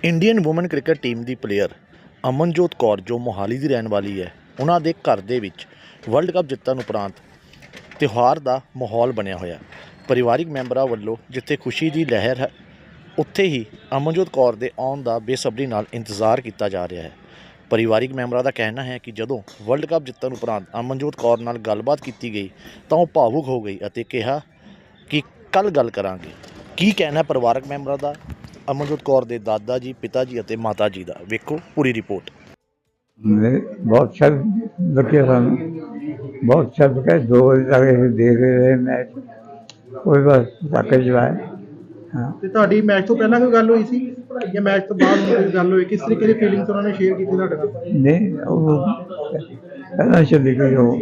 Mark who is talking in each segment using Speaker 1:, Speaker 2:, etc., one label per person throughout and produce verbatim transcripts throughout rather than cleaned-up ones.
Speaker 1: Indian woman cricket team ਦੀ player Amanjot Kaur ਜੋ ਮੋਹਾਲੀ ਦੀ ਰਹਿਣ ਵਾਲੀ ਹੈ, ਉਹਨਾਂ ਦੇ ਘਰ ਦੇ ਵਿੱਚ ਵਰਲਡ ਕੱਪ ਜਿੱਤਣ ਉਪਰੰਤ ਤਿਉਹਾਰ ਦਾ ਮਾਹੌਲ ਬਣਿਆ ਹੋਇਆ। ਪਰਿਵਾਰਿਕ ਮੈਂਬਰਾਂ ਵੱਲੋਂ ਜਿੱਥੇ ਖੁਸ਼ੀ ਦੀ ਲਹਿਰ ਹੈ, ਉੱਥੇ ਹੀ ਅਮਨਜੋਤ ਕੌਰ ਦੇ ਆਉਣ ਦਾ ਬੇਸਬਰੀ ਨਾਲ ਇੰਤਜ਼ਾਰ ਕੀਤਾ ਜਾ ਰਿਹਾ ਹੈ। ਪਰਿਵਾਰਿਕ ਮੈਂਬਰਾਂ ਦਾ ਕਹਿਣਾ ਹੈ ਕਿ ਜਦੋਂ ਵਰਲਡ ਕੱਪ ਜਿੱਤਣ ਉਪਰੰਤ ਅਮਨਜੋਤ ਕੌਰ ਨਾਲ ਗੱਲਬਾਤ ਕੀਤੀ ਗਈ ਤਾਂ ਉਹ ਭਾਵੁਕ ਹੋ ਗਈ ਅਤੇ ਕਿਹਾ ਕਿ ਕੱਲ੍ਹ ਗੱਲ ਕਰਾਂਗੇ। ਕੀ ਕਹਿਣਾ ਪਰਿਵਾਰਕ ਮੈਂਬਰਾਂ ਦਾ, ਅਮਨਜੋਤ ਕੌਰ ਦੇ ਦਾਦਾ ਜੀ, ਪਿਤਾ ਜੀ ਅਤੇ ਮਾਤਾ ਜੀ ਦਾ, ਵੇਖੋ ਪੂਰੀ ਰਿਪੋर्ट।
Speaker 2: बहुत अच्छा लगे सू, बहुत अच्छा लगे। दो बजे तक देख रहे मैच, कोई बस पटाखे चलाए। हाँ,
Speaker 3: ਤੇ ਤੁਹਾਡੀ ਮੈਚ ਤੋਂ ਪਹਿਲਾਂ ਕੋਈ ਗੱਲ ਹੋਈ ਸੀ ਜਾਂ ਮੈਚ ਤੋਂ ਬਾਅਦ ਕੋਈ ਗੱਲ ਹੋਈ? ਕਿਸ ਤਰੀਕੇ ਦੀ ਫੀਲਿੰਗਸ ਉਹਨਾਂ ਨੇ ਸ਼ੇਅਰ ਕੀਤੀ ਤੁਹਾਡੇ ਨਾਲ?
Speaker 2: नहीं वो पहला चली गई वो।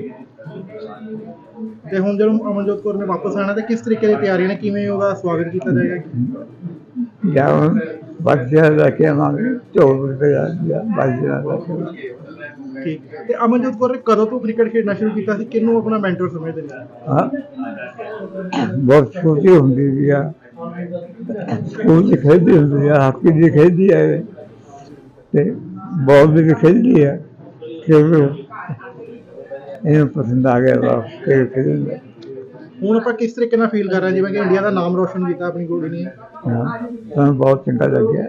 Speaker 3: ਤੇ ਹੁਣ ਜਦੋਂ ਅਮਨਜੋਤ ਕੌਰ ਨੇ ਵਾਪਸ ਆਣਾ ਤੇ ਕਿਸ ਤਰੀਕੇ ਦੀ ਤਿਆਰੀਆਂ ਨੇ, ਕਿਵੇਂ ਉਹਦਾ ਸਵਾਗਤ ਕੀਤਾ ਜਾਏਗਾ?
Speaker 2: या बच्चे रखे हमारे चौबीस रुपये बच्चे रखे।
Speaker 3: ਠੀਕ। ਤੇ ਅਮਨਜੋਤ ਕੌਰ ਨੇ ਕਦੋਂ ਤੋਂ ਕ੍ਰਿਕਟ ਖੇਡਣਾ ਸ਼ੁਰੂ ਕੀਤਾ ਸੀ? ਕਿਹਨੂੰ ਆਪਣਾ ਮੈਂਟਰ ਸਮਝਦੇ ਨੇ?
Speaker 2: हाँ, बहुत छोटी होंगी थी, स्कूल से खेलती होंगी, हॉकी भी खेलती है, ते बॉल भी खेलती है। खेल इन्हें पसंद आ गया खेल खेल।
Speaker 3: ਹੁਣ ਆਪਾਂ ਕਿਸ ਤਰੀਕੇ ਨਾਲ ਫੀਲ ਕਰ ਰਹੇ ਹਾਂ, ਜਿਵੇਂ ਕਿ ਇੰਡੀਆ ਦਾ ਨਾਮ ਰੋਸ਼ਨ ਕੀਤਾ ਆਪਣੀ ਕੁੜੀ ਨੇ?
Speaker 2: हाँ, हमें बहुत चंगा लग गया।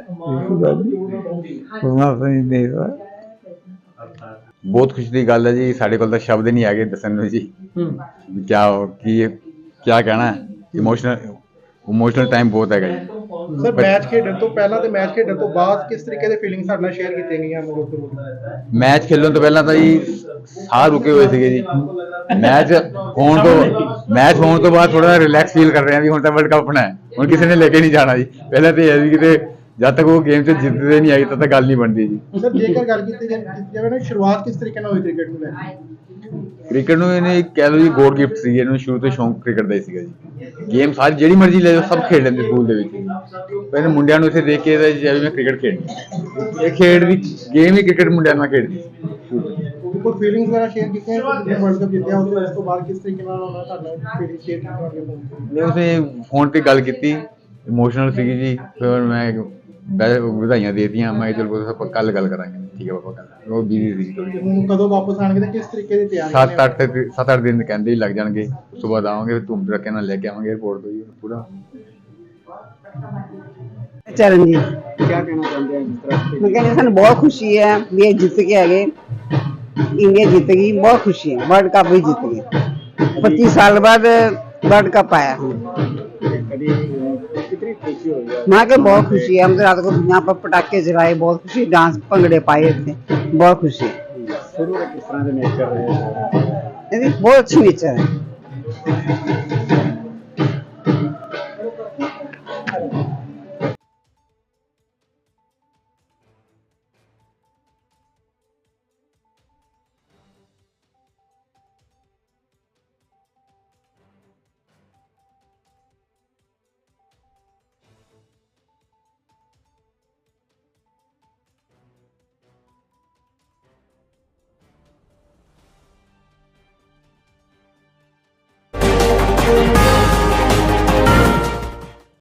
Speaker 4: बहुत खुशी की गल है जी। साढ़े को शब्द नहीं है दसन जी क्या की क्या कहना है। इमोशनल इमोशनल टाइम बहुत है जी।
Speaker 3: ਸਰ ਮੈਚ ਖੇਡਣ ਤੋਂ ਪਹਿਲਾਂ ਤੇ ਮੈਚ ਖੇਡਣ ਤੋਂ ਬਾਅਦ ਕਿਸ ਤਰੀਕੇ ਦੇ ਫੀਲਿੰਗ ਸਾਡੇ ਨਾਲ ਸ਼ੇਅਰ ਕੀਤੀਆਂ ਗਈਆਂ ਅਮਨਜੋਤ ਕੌਰ?
Speaker 4: मैच खेलन तो पहला तो जी साह रुके हुए थे जी। मैच होने तो मैच होने तो बाद थोड़ा रिलैक्स फील कर रहे हैं। हुण तो वर्ल्ड कप अपना है, हुण किसी ने लेके नहीं जाना जी। पहले तो यह कि जब तक वो गेम से जितते नहीं आई तब तक गल नहीं बनती जी।
Speaker 3: ਸਰ ਜੇਕਰ ਗੱਲ ਕੀਤੀ ਜਾਵੇ ਨਾ, ਸ਼ੁਰੂਆਤ ਕਿਸ ਤਰੀਕੇ ਨਾਲ ਹੋਈ ਕ੍ਰਿਕਟ ਨੂੰ ਲੈ ਕੇ?
Speaker 4: ਕ੍ਰਿਕਟ ਨੂੰ ਇਹਨੇ ਕਹਿ ਲਓ ਜੀ ਗੋਡ ਗਿਫਟ ਸੀ। ਇਹਨੂੰ ਸ਼ੁਰੂ ਤੋਂ ਸ਼ੌਂਕ ਕ੍ਰਿਕਟ ਦਾ ਹੀ ਸੀਗਾ ਜੀ। ਗੇਮ ਸਾਰੀ ਜਿਹੜੀ ਮਰਜ਼ੀ ਲੈ ਜਾਓ, ਸਭ ਖੇਡ ਲੈਂਦੇ ਸਕੂਲ ਦੇ ਵਿੱਚ। ਪਹਿਲੇ ਮੁੰਡਿਆਂ ਨੂੰ ਇੱਥੇ ਦੇਖ ਕੇ ਜਿਵੇਂ ਮੈਂ ਕ੍ਰਿਕਟ ਖੇਡਣੀ, ਇਹ ਖੇਡ ਦੀ ਗੇਮ ਹੀ ਕ੍ਰਿਕਟ ਮੁੰਡਿਆਂ ਨਾਲ ਖੇਡਦੀ।
Speaker 3: ਕੋਈ ਫੀਲਿੰਗਸ ਵਗੈਰਾ ਸ਼ੇਅਰ ਕੀਤੀਆਂ ਜਦੋਂ ਵਰਲਡ ਕੱਪ ਜਿੱਤਿਆ ਉਸ ਤੋਂ ਬਾਅਦ ਕਿਸ ਤਰੀਕੇ ਨਾਲ ਉਹਨਾਂ ਤੁਹਾਡਾ ਫੀਲਿੰਗ ਸ਼ੇਅਰ ਕੀਤੀ ਤੁਹਾਡੇ ਫੋਨ ਤੇ?
Speaker 4: ਮੈਂ ਉਸੇ ਫੋਨ ਤੇ ਗੱਲ ਕੀਤੀ, ਇਮੋਸ਼ਨਲ ਸੀਗੀ ਜੀ। ਫਿਰ ਮੈਂ ਵਧਾਈਆਂ ਦੇ ਦਿੱਤੀਆਂ। ਮੈਂ ਚਲੋ ਆਪਾਂ ਕੱਲ ਗੱਲ ਕਰਾਂਗੇ। ਠੀਕ ਹੈ ਪਾਪਾ, ਕੱਲ ਉਹ ਬਿਜ਼ੀ ਸੀ ਥੋੜੀ।
Speaker 3: ਹੁਣ ਕਦੋਂ ਵਾਪਸ ਆਣਗੇ ਤੇ ਕਿਸ ਤਰੀਕੇ ਦੀ ਤਿਆਰੀ?
Speaker 4: ਸੱਤ ਅੱਠ ਸੱਤ ਅੱਠ ਦਿਨ ਕਹਿੰਦੇ ਹੀ ਲੱਗ ਜਾਣਗੇ। ਉਸ ਤੋਂ ਬਾਅਦ ਆਵਾਂਗੇ, ਧੂਮ ਧੜਕੇ ਨਾਲ ਲੈ ਕੇ ਆਵਾਂਗੇ ਏਅਰਪੋਰਟ ਤੋਂ ਜੀ ਪੂਰਾ।
Speaker 5: चरण जी,
Speaker 3: क्या कहना चाहते हैं? जिस तरह से
Speaker 5: मैं कहने सन बहुत खुशी है भी ये जीत के आ गए, इंडिया जीतेगी, बहुत खुशी है। वर्ल्ड कप भी जीत गए, पच्चीस साल बाद वर्ल्ड कप आया।
Speaker 3: कितनी खुशी हो गई?
Speaker 5: वहाँ के बहुत खुशी है। हम तो रात को यहाँ पर पटाखे जलाए, बहुत खुशी, डांस भंगड़े पाए थे, बहुत खुशी है।
Speaker 3: शुरू में किस तरह से मैच कर रहे हैं?
Speaker 5: बहुत अच्छी नेचर है।